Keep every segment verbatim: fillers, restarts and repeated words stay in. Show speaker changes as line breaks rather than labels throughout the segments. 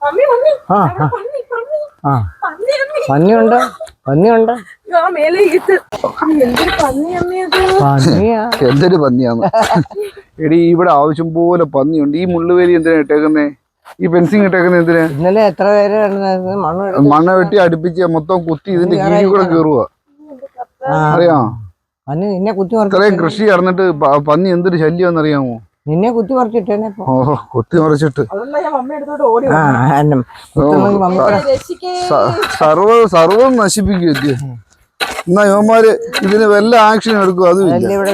പന്നിയുണ്ട് പന്നിയുണ്ട്
എന്തൊരു പന്നിയാന്ന് എടി ഇവിടെ ആവശ്യം പോലെ പന്നിയുണ്ട്. ഈ മുള്ളുവേലി എന്തിനാ ഇട്ടേക്കുന്നേ? ഈ ഫെൻസിങ് ഇട്ടേക്കുന്നത് എന്തിനാ?
ഇന്നലെ എത്ര പേര്
മണ്ണ വെട്ടി അടുപ്പിച്ച് മൊത്തം കുത്തി ഇതിന്റെ കീഴിൽ കൂടെ കയറുക. അറിയാമോ?
നിന്നെ കുത്തി
ഇത്രയും കൃഷി നടന്നിട്ട് പന്നി എന്തൊരു ശല്യം അറിയാമോ?
നിന്നെ കുത്തി മറിച്ചിട്ടേ.
ഓഹോ, കുത്തി മറിച്ചിട്ട് സർവ സർവം നശിപ്പിക്കും. എന്നാ യുവന്മാര് ഇതിന് വല്ല ആക്ഷൻ എടുക്കും. അതും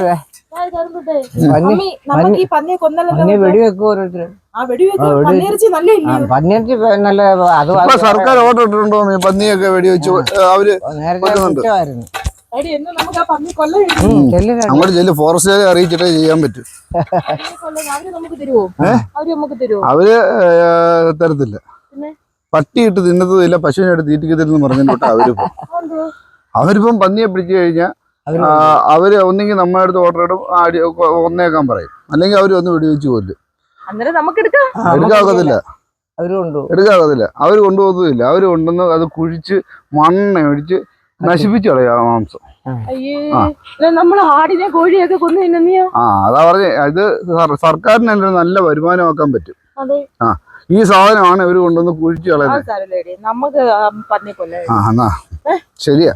സർക്കാർ ഓർഡർ ഇട്ടിട്ടുണ്ടോ പന്നിയൊക്കെ വെടിവെച്ച് അവര് അങ്ങോട്ട് ചെല്ലു. ഫോറസ്റ്റുകാരെ അറിയിച്ചിട്ടേ ചെയ്യാൻ പറ്റും. അവര് തരത്തില്ല. പട്ടിയിട്ട് തിന്നത്തില്ല, പശുവിനായിട്ട് തീറ്റിക്കത്തില്ലെന്ന് പറഞ്ഞിട്ട് അവരിപ്പം അവരിപ്പം പന്നിയെ പിടിച്ചു കഴിഞ്ഞാൽ അവര് ഒന്നെങ്കിൽ നമ്മുടെ അടുത്ത് ഓർഡർ ഇടും, ഒന്നേക്കാൻ പറയും, അല്ലെങ്കിൽ അവര് ഒന്ന് വെടിവെച്ച് കൊല്ലും. എടുക്കാക്കത്തില്ല എടുക്കാക്കത്തില്ല അവര് കൊണ്ടുപോകത്തില്ല. അവര് കൊണ്ടുവന്ന് അത് കുഴിച്ച് മണ്ണ ഒഴിച്ച് നശിപ്പിച്ചു കളയാ മാംസം. ആ അതാ പറഞ്ഞേ, ഇത് സർക്കാരിന് നല്ല വരുമാനമാക്കാൻ പറ്റും. ആ ഈ സാധനമാണ് ഇവര് കൊണ്ടുവന്ന് കുഴിച്ചു കളയുന്നത്. ശരിയാ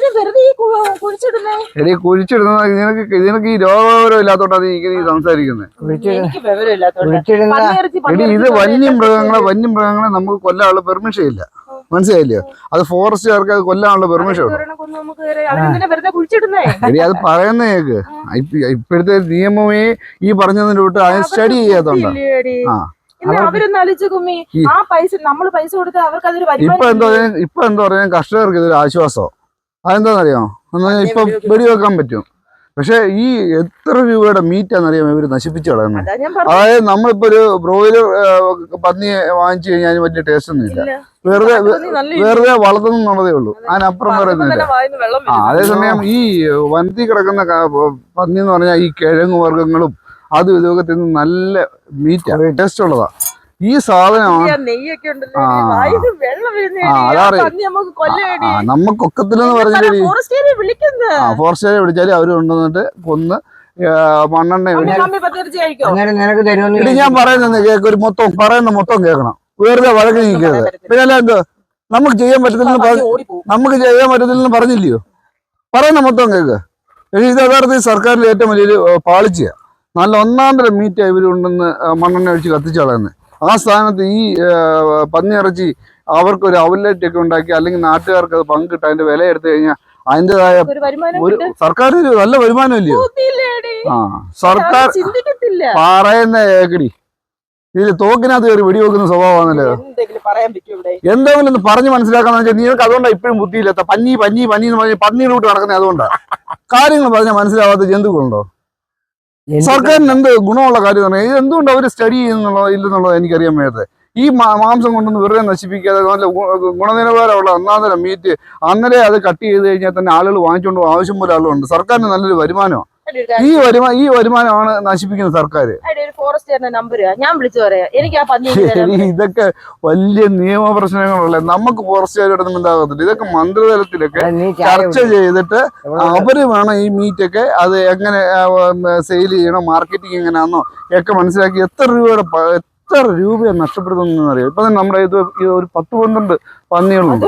എടി കുഴിച്ചിടുന്നത് നിനക്ക് നിനക്ക് ഈ രോഗവിവരം ഇല്ലാത്തോണ്ടാണ് നീ സംസാരിക്കുന്നത്. എടി ഇത് വന്യമൃഗങ്ങളെ വന്യമൃഗങ്ങളെ നമുക്ക് കൊല്ലാനുള്ള പെർമിഷൻ ഇല്ല, മനസ്സിലായില്ലയോ? അത് ഫോറസ്റ്റുകാർക്ക് അത് കൊല്ലാനുള്ള പെർമിഷൻ ഉണ്ട്. എടി അത് പറയുന്നേക്ക് ഇപ്പോഴത്തെ നിയമമേ ഈ പറഞ്ഞതിന് വിട്ട് അത് സ്റ്റഡി ചെയ്യാത്തോണ്ടാ. ആ ഇപ്പൊ എന്താ ഇപ്പൊ എന്താ പറയാ, കർഷകർക്ക് ഇതൊരു ആശ്വാസം. അതെന്താണെന്നറിയാമോ? എന്നാൽ ഇപ്പൊ വെടിവെക്കാൻ പറ്റും. പക്ഷെ ഈ എത്ര രൂപയുടെ മീറ്റാണെന്നറിയാമോ ഇവര് നശിപ്പിച്ചു കളയുന്നത്? അതായത് നമ്മളിപ്പോ ഒരു ബ്രോയിലർ പന്നിയെ വാങ്ങിച്ചു കഴിഞ്ഞാൽ വലിയ ടേസ്റ്റ് ഒന്നും ഇല്ല, വെറുതെ വെറുതെ വളർത്തുന്നുള്ളതേ ഉള്ളൂ, അതിനപ്പുറം പറയുന്നില്ല. ആ അതേസമയം ഈ വനത്തിൽ കിടക്കുന്ന പന്നി എന്ന് പറഞ്ഞാൽ ഈ കിഴങ്ങ് വർഗ്ഗങ്ങളും അതും ഇതൊക്കെ തിന്ന് നല്ല മീറ്റാ, ടേസ്റ്റ് ഉള്ളതാ. ഈ സാധനമാണ് നമുക്കൊക്കത്തില്ലെന്ന് പറഞ്ഞാൽ ഫോറസ്റ്റുകാരെ വിളിച്ചാല് അവര് കൊണ്ടുവന്നിട്ട് കൊന്ന് മണ്ണെണ്ണ ഇടി. ഞാൻ പറയുന്നത് കേക്ക്, ഒരു മൊത്തം പറയുന്ന മൊത്തം കേൾക്കണം, വെറുതെ വഴക്ക് നീക്കരുത്. പിന്നെ അല്ല എന്തോ നമുക്ക് ചെയ്യാൻ പറ്റത്തില്ലെന്ന് നമുക്ക് ചെയ്യാൻ പറ്റത്തില്ലെന്ന് പറഞ്ഞില്ലയോ? പറയുന്ന മൊത്തം കേക്ക്. ഇത് യഥാർത്ഥത്തിൽ സർക്കാരിന്റെ ഏറ്റവും വലിയൊരു പാളിച്ചയാ. നല്ല ഒന്നാം തരം മീറ്റാ ഇവർ കൊണ്ടുവന്ന് മണ്ണെണ്ണ ഒഴിച്ച് കത്തിച്ചു കളയുന്നത്. ആ സ്ഥാനത്ത് ഈ പന്നിയിറച്ചി അവർക്കൊരു ഔട്ട്ലെറ്റ് ഒക്കെ ഉണ്ടാക്കി, അല്ലെങ്കിൽ നാട്ടുകാർക്ക് അത് പങ്കിട്ട് അതിന്റെ വില എടുത്തു കഴിഞ്ഞാൽ അതിൻ്റെതായ ഒരു സർക്കാർ നല്ല വരുമാനം ഇല്ലയോ? ആ സർക്കാർ പറയുന്ന കേക്കടി, ഇതിൽ തോക്കിനകത്ത് കയറി വെടിവെക്കുന്ന സ്വഭാവമാണല്ലോ. എന്തെങ്കിലും ഒന്ന് പറഞ്ഞ് മനസ്സിലാക്കാന്ന് വെച്ചാൽ നിങ്ങൾക്ക് അതുകൊണ്ടാണ് ഇപ്പോഴും ബുദ്ധിയില്ലാത്ത. പന്നി പന്നി പന്നി എന്ന് പറഞ്ഞ് പന്നിയുടെ കൂട്ട് നടക്കുന്നത് അതുകൊണ്ടാണ്. കാര്യങ്ങൾ പറഞ്ഞാൽ മനസ്സിലാവാത്ത ജന്തുക്കളുണ്ടോ? സർക്കാരിന് എന്ത് ഗുണമുള്ള കാര്യം എന്ന് പറഞ്ഞാൽ എന്തുകൊണ്ട് അവർ സ്റ്റഡി ചെയ്യുന്നുള്ളോ ഇല്ലെന്നുള്ളത് എനിക്കറിയാൻ വേണ്ടത്. ഈ മാംസം കൊണ്ടൊന്ന് വെറുതെ നശിപ്പിക്കാതെ നല്ല ഗുണനിലവാരമുള്ള ഒന്നാം തരം മീറ്റ് അന്നേരം അത് കട്ട് ചെയ്ത് കഴിഞ്ഞാൽ തന്നെ ആളുകൾ വാങ്ങിച്ചുകൊണ്ട് പോകും. ആവശ്യം പോലെ ആളുകളുണ്ട്. സർക്കാരിന് നല്ലൊരു വരുമാനമാണ്. ഈ വരുമാനം ഈ വരുമാനമാണ് നശിപ്പിക്കുന്നത് സർക്കാർ. ഇതൊക്കെ വലിയ നിയമ പ്രശ്നങ്ങളുള്ള നമുക്ക് ഫോറസ്റ്റുകാരോടൊന്നും ഉണ്ടാകത്തില്ല. ഇതൊക്കെ മന്ത്രിതലത്തിലൊക്കെ ചർച്ച ചെയ്തിട്ട് അവര് വേണം ഈ മീറ്റൊക്കെ അത് എങ്ങനെ സെയിൽ ചെയ്യണം, മാർക്കറ്റിംഗ് എങ്ങനെയാണെന്നോ ഒക്കെ മനസ്സിലാക്കി എത്ര രൂപയുടെ എത്ര രൂപയാണ് നഷ്ടപ്പെടുത്തുന്ന അറിയാം. ഇപ്പൊ തന്നെ നമ്മുടെ ഇത് ഒരു പത്ത് പന്ത്രണ്ട് പന്നികളുണ്ട്.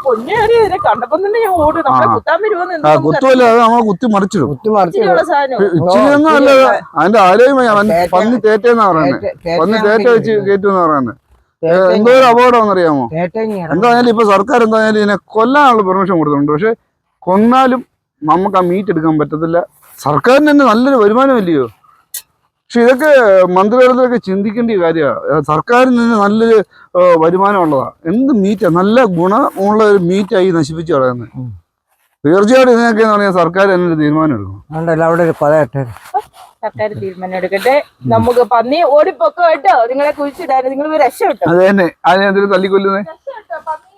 ആ കുത്തുമല്ല, അത് നമ്മളെ കുത്തി മറിച്ചിടും. ഇച്ചിരിയൊന്നും അല്ലത് അതിന്റെ ആരോഗ്യമായി പന്നി തേറ്റെന്നാ പറയുന്നത്. പന്നി തേറ്റ വെച്ച് കയറ്റുമെന്നാ പറയുന്നത്. എന്തോ ഒരു അപകടമാണെന്ന് അറിയാമോ? എന്തായാലും ഇപ്പൊ സർക്കാർ എന്തായാലും ഇതിനെ കൊല്ലാനുള്ള പെർമിഷൻ കൊടുത്തിട്ടുണ്ട്. പക്ഷെ കൊന്നാലും നമുക്ക് ആ മീറ്റ് എടുക്കാൻ പറ്റത്തില്ല. സർക്കാരിന് തന്നെ നല്ലൊരു വരുമാനമില്ലയോ? പക്ഷെ ഇതൊക്കെ മന്ത്രിതലത്തിലൊക്കെ ചിന്തിക്കേണ്ട കാര്യമാണ്. സർക്കാരിന് തന്നെ നല്ലൊരു വരുമാനമുള്ളതാണ്. എന്ത് മീറ്റാ, നല്ല ഗുണമുള്ള ഒരു മീറ്റായി നശിപ്പിച്ചു കളയുന്നത്. തീർച്ചയായിട്ടും ഇതിനൊക്കെ എന്ന് പറഞ്ഞാൽ സർക്കാർ തന്നെ ഒരു തീരുമാനം എടുക്കണം.
അവിടെ ഒരു പതയട്ടെ,
സർക്കാർ തീരുമാനം എടുക്കട്ടെ. നമുക്ക് പന്നി ഓടിപ്പൊക്കോ കേട്ടോ, നിങ്ങളെ കുഴിച്ചിടാൻ നിങ്ങൾ രക്ഷ കിട്ടും.
അത് തന്നെ അതിനെന്തെങ്കിലും തല്ലിക്കൊല്ലുന്നേ.